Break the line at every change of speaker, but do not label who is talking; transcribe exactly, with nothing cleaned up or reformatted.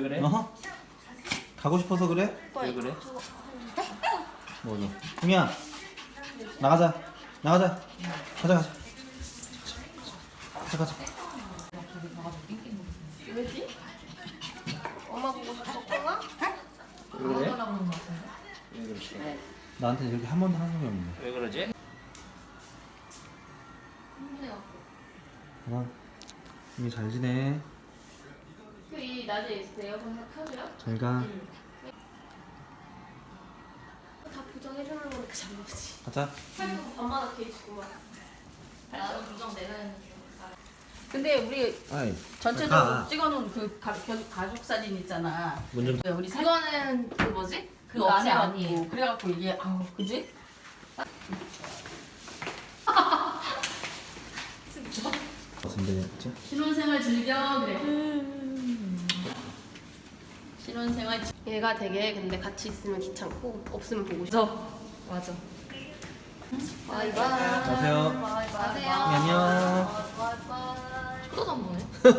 그래?
어? 가고 싶어서 그래?
왜 그래?
뭐니? 흥이야 나가자 나가자 가자 가자 가자 가자
왜지? 엄마 보고 싶었구나?
왜 그래? 왜 그러지?
나한테 이렇게 한 번도 한 적이 없는데
왜 그러지?
하나 흥이 잘 지내
이 낮에 있을 때 에어컨 켜줘요?
잘가
다 보정해주는 거니까 잘못지.
가자
살도 밤마다 개주구만.
나도 부정 내가 했는데.
근데 우리
아이
전체적으로
가.
찍어놓은 그 가, 가- 가족 사진 있잖아.
문좀
왜 우리 사
이거는 그 뭐지?
그
그거
안에
없애
안고
언니.
그래갖고 이게 아우 그지?
같은데 그치?
신혼생활 즐겨 그래. 신혼생활 즐-
얘가 되게 근데 같이 있으면 귀찮고 없으면 보고 싶어.
맞아.
바이바이.
안녕하세요
가세요.